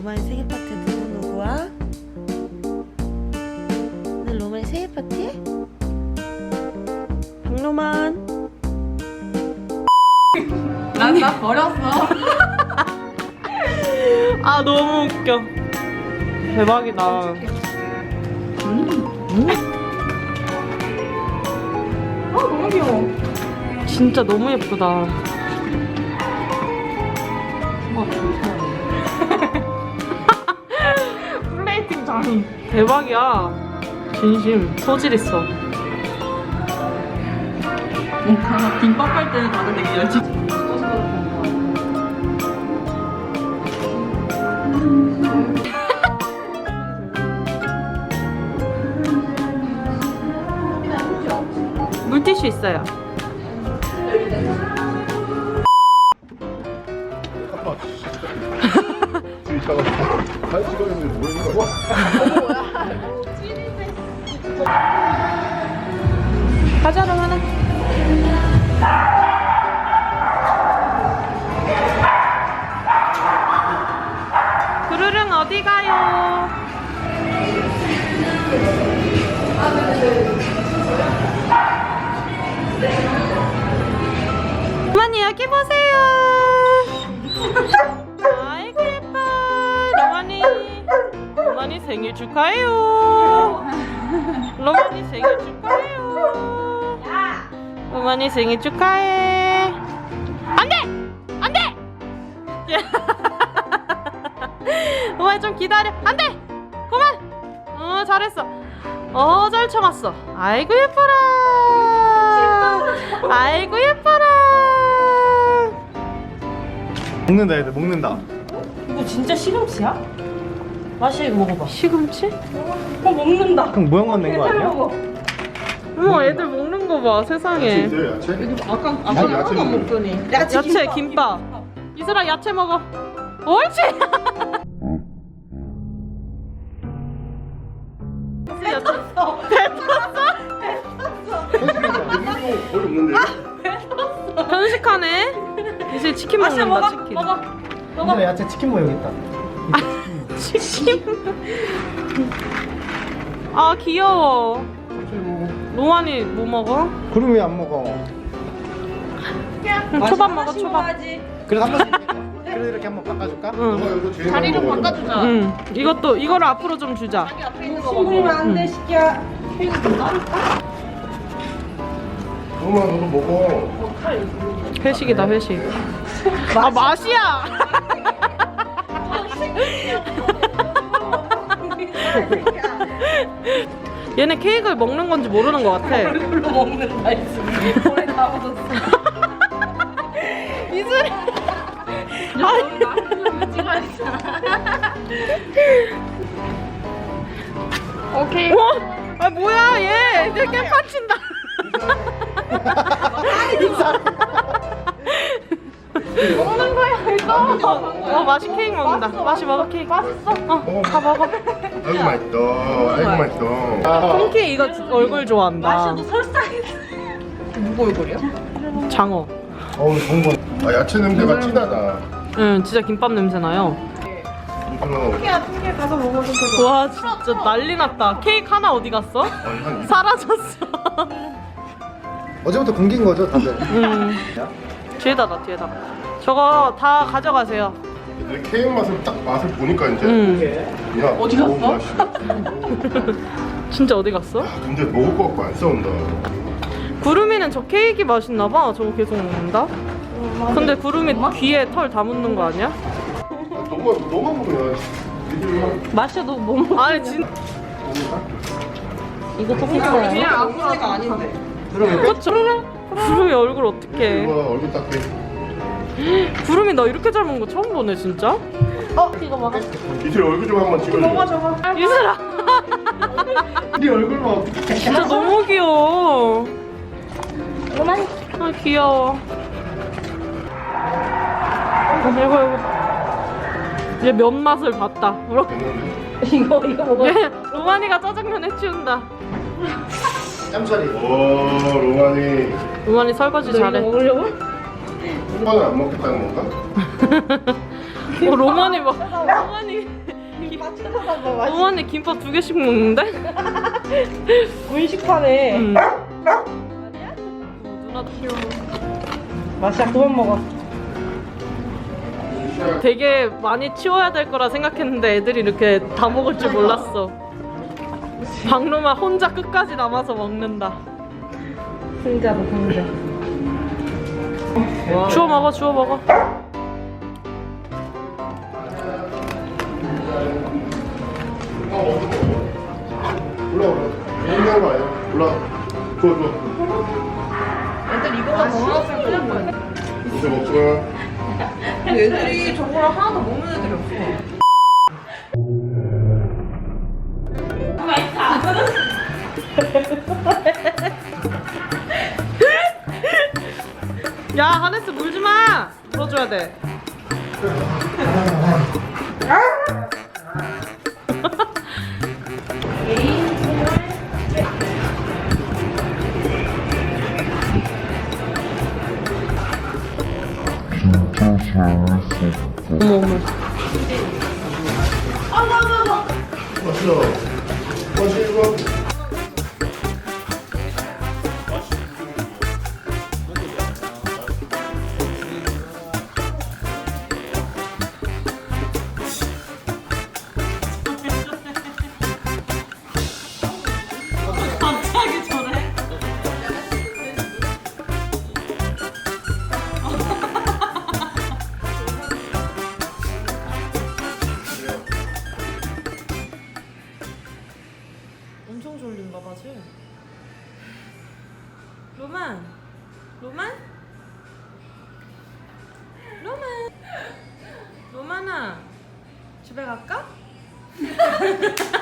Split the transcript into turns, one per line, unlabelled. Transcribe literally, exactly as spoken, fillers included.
로마의 생일 파티 누구 누구야? 오늘 로마의 생일 파티? 박로만.
난 나 버렸어.
아 너무 웃겨. 대박이다.
음. 음. 아 너무 귀여워.
진짜 너무 예쁘다.
와 플레이팅 장인.
대박이야. 진심 소질 있어.
뭔가 김밥 할 때는 다들 되게 열심히.
물티슈 있어요.
이따가 잘 찍었는데 뭐 있는 거야?
과자로 하나. 구르릉 어디 가요? 어머니 여기 보세요. 아이고 예뻐. 로마니 로마니 생일 축하해요. 로마니 생일 축하해요. 로마니 생일 축하해. 안돼 안돼. 로마니 좀 기다려. 안돼 그만. 어 잘했어. 어 잘 참았어. 아이고 예뻐라. 아이고 예뻐라.
먹는다 애들 먹는다.
이거 진짜 시금치야? 맛이 먹어봐.
시금치?
어 먹는다.
그럼 모양만 낸 거 아니야?
먹어.
어머 애들 먹는 거 봐 세상에.
야채 야채?
아까
이슬
아까
야채
하나도 안
먹는
먹더니.
야채 김밥. 이슬아 야채 먹어. 옳지.
거의 없는데.
편식하네. 이슬 치킨
맛있어
먹는다
먹어
치킨.
먹어.
이슬아 야채 치킨 모양 있다.
치킨. 아 귀여워. 로만이 뭐 먹어?
그럼 왜 안 먹어?
응, 초밥 먹어 초밥.
그래서 한 번씩 그래 이렇게 한번 바꿔줄까?
응.
자리를 바꿔주자.
응. 이것도 이거를 앞으로 좀 주자.
신부면 안돼 시키야. 케이크 좀 따를까?
엄마 너도 먹어.
회식이다 회식. 아 맛이야. 얘네 케이크를 먹는 건지 모르는 것 같아.
얼굴로 먹는다 했으니 볼에 다 묻었어.
이슬이.
오케이.
와, 아 뭐야 얘 이제 깨판 친다.
먹는 거야 이거.
어, 어 맛이 케이크 먹는다. 맛이 먹어 케이크. 맛있어. 어, 다 먹어.
아이고 맛있다. 아이고 맛있다.
콩키 이거 얼굴 좋아한다.
맛이 너 설사해. 누구 얼굴이야?
장어.
어우 좋은 거. 아 야채 냄새가 진하다.
응, 진짜 김밥 냄새 나요.
이거
야, 통계 가서 먹어도 되고.
와, 진짜 난리 났다. 케이크 하나 어디 갔어?
한
사라졌어.
어제부터 공기인 거죠 다들?
음. 뒤에다 놔, 뒤에다. 저거 다 가져가세요.
얘들 케이크 맛을 딱 맛을 보니까 이제
음.
야
어디 갔어?
너무 맛있어.
진짜 어디 갔어?
아, 근데 먹을 거 갖고 안 싸운다.
구름이는 저 케이크 맛있나 봐. 저거 계속 먹는다. 근데 구름이 귀에 털 다 묻는 거 아니야?
아, 너가 너가 먹으면 니들만
마셔도 못 먹어.
아니 진.
이거 토끼야. 그냥 아무데가 아닌데.
그쵸? 구름이 얼굴 어떡해?
이거 얼굴 닦게.
구름이 나 이렇게 잘 먹는 거 처음 보네 진짜.
어, 이거 먹어.
이들 얼굴 좀 한번 찍어줘.
먹어, 저거.
유슬아.
네 얼굴만 어떻게?
진짜 너무 귀여워.
그만.
아 귀여워. 이거 이거. 얘 면 맛을 봤다. 이렇게.
이거, 이거 먹어.
얘 로마니가 짜장면 해치운다.
짬짜리. 오 로마니.
로마니 설거지 잘해.
먹으려고?
오빠는 안 먹겠다는 건가?
어, 로만이 막 로만이
김밥 찾아봐. 맛있.
로만이 김밥 두 개씩 먹는데?
분식파네.
응. 누나도 귀여워.
맛이야 그만 먹어.
되게 많이 치워야 될 거라 생각했는데 애들이 이렇게 다 먹을 줄 몰랐어. 박로마 혼자 끝까지 남아서 먹는다.
승자다 승자.
주워 먹어, 주워 먹어.
올라 올라. 얘기하는 거 아니야? 올라. 좋아 좋아.
애들 이거가 더 먹었으면 큰일 날 뻔했네.
이제 먹지 마.
애들이 저거랑 하나도 먹는 애들이 없어.
야, 하네스 물지 마. 물어줘야 돼. 어머 어머.
맛있어. 맛있어.
갑자기 저래? 엄청 졸린가 봐, 쟤. 로만! 로만? 로만! 로만아! 집에 갈까?